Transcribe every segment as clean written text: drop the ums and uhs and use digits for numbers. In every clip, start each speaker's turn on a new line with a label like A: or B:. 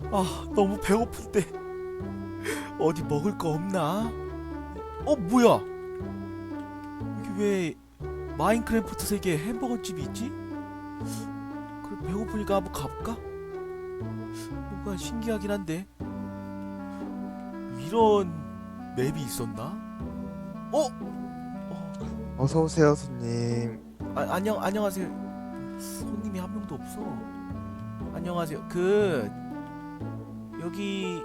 A: 아, 너무 배고픈데 어디 먹을 거 없나? 뭐야? 여기 왜 마인크래프트 세계에 햄버거 집이 있지? 그래, 배고프니까 한번 가볼까? 뭔가 신기하긴 한데 이런 맵이 있었나?
B: 어서 오세요, 손님.
A: 안녕하세요. 손님이 한 명도 없어. 안녕하세요. 여기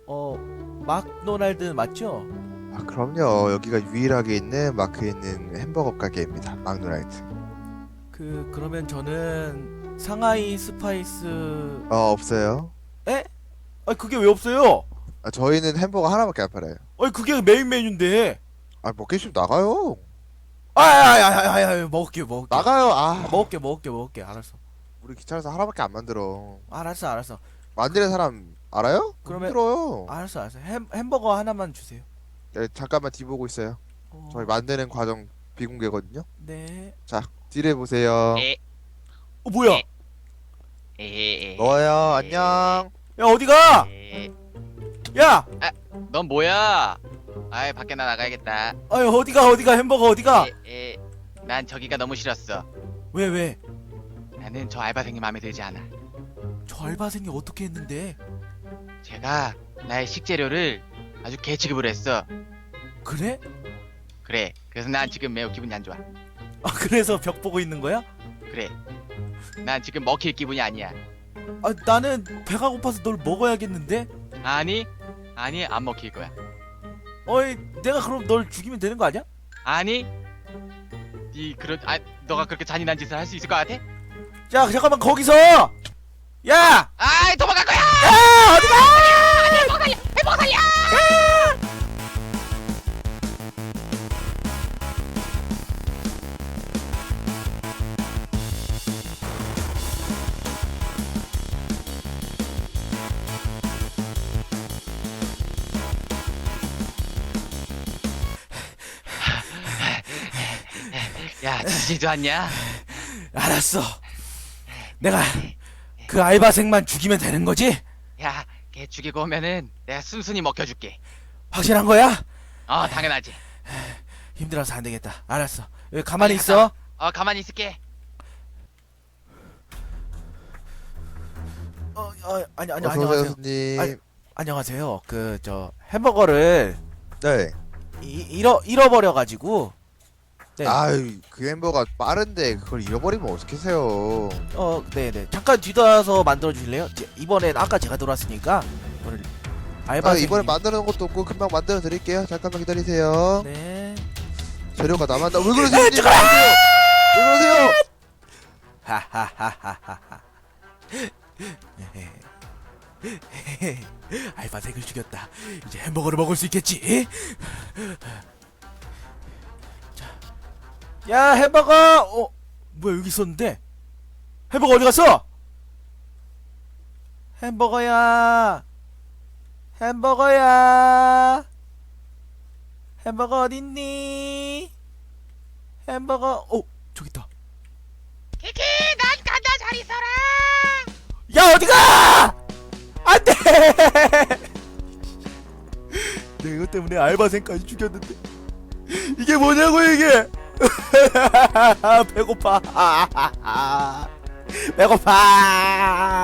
A: 막도날드 맞죠?
B: 아, 그럼요. 여기가 유일하게 있는 마크에 있는 햄버거 가게입니다. 막노라이트.
A: 그러면 저는 상하이 스파이스.
B: 없어요.
A: 에? 아니 그게 왜 없어요?
B: 아, 저희는 햄버거 하나밖에 안 팔아요.
A: 아니 그게 메인 메뉴인데.
B: 아, 먹기 싫으면 나가요.
A: 먹을게.
B: 나가요.
A: 먹을게. 알았어.
B: 우리 귀찮아서 하나밖에 안 만들어.
A: 알았어.
B: 만드는 사람 알아요?
A: 그러면-
B: 힘들어요.
A: 알았어. 햄버거 하나만 주세요.
B: 네, 잠깐만 뒤 보고 있어요. 저희 만드는 과정 비공개거든요.
A: 네.
B: 자, 딜해 보세요.
C: 에,
A: 뭐야?
B: 너요. 안녕.
A: 야 어디가? 야!
C: 넌 뭐야? 아이 밖에 나가야겠다.
A: 아니 어디가 햄버거 어디가?
C: 난 저기가 너무 싫었어.
A: 왜?
C: 나는 저 알바생이 마음에 들지 않아.
A: 저 알바생이 어떻게 했는데?
C: 제가 나의 식재료를 아주 개취급을 했어.
A: 그래?
C: 그래. 그래서 난 지금 매우 기분이 안 좋아.
A: 아 그래서 벽 보고 있는 거야?
C: 그래. 난 지금 먹힐 기분이 아니야.
A: 아 나는 배가 고파서 널 먹어야겠는데?
C: 아니 안 먹힐 거야.
A: 어이 내가 그럼 널 죽이면 되는 거 아니야?
C: 아니 너가 그렇게 잔인한 짓을 할 수 있을 것 같아?
A: 야 잠깐만 거기서! 야!
C: 아이 도망갈 거야!
A: 야 어디가!
C: 해먹어 살려! 야, 지지도 않냐?
A: 알았어. 내가 그 알바생만 죽이면 되는 거지?
C: 야, 걔 죽이고 오면은 내가 순순히 먹혀줄게.
A: 확실한 거야?
C: 당연하지.
A: 힘들어서 안 되겠다. 알았어. 여기 가만히 있어.
C: 가만히 있을게.
A: 아니
B: 어서 오세요,
A: 안녕하세요.
B: 손님.
A: 아니, 안녕하세요. 저 햄버거를
B: 네.
A: 잃어버려 가지고. 네.
B: 아유, 그 햄버거 빠른데 그걸 잃어버리면 어떡하세요.
A: 네네. 잠깐 뒤돌아서 만들어 주실래요? 이번엔 아까 제가 들어왔으니까 이번엔 알바생.
B: 이번에 만드는 것도 없고 금방 만들어 드릴게요. 잠깐만 기다리세요.
A: 네.
B: 재료가 남았다. 왜 그러세요? 손님? 왜 그러세요?
A: 하하하하하하. 알바생을 죽였다. 이제 햄버거를 먹을 수 있겠지? 자, 야 햄버거. 뭐야 여기 있었는데? 햄버거 어디 갔어? 햄버거야. 햄버거 어딨니? 햄버거. 저기 있다.
C: 키키, 난 간다. 잘 있어라.
A: 야 어디가! 안돼! 내가 이것 때문에 알바생까지 죽였는데 이게 뭐냐고 이게! 배고파. 배고파.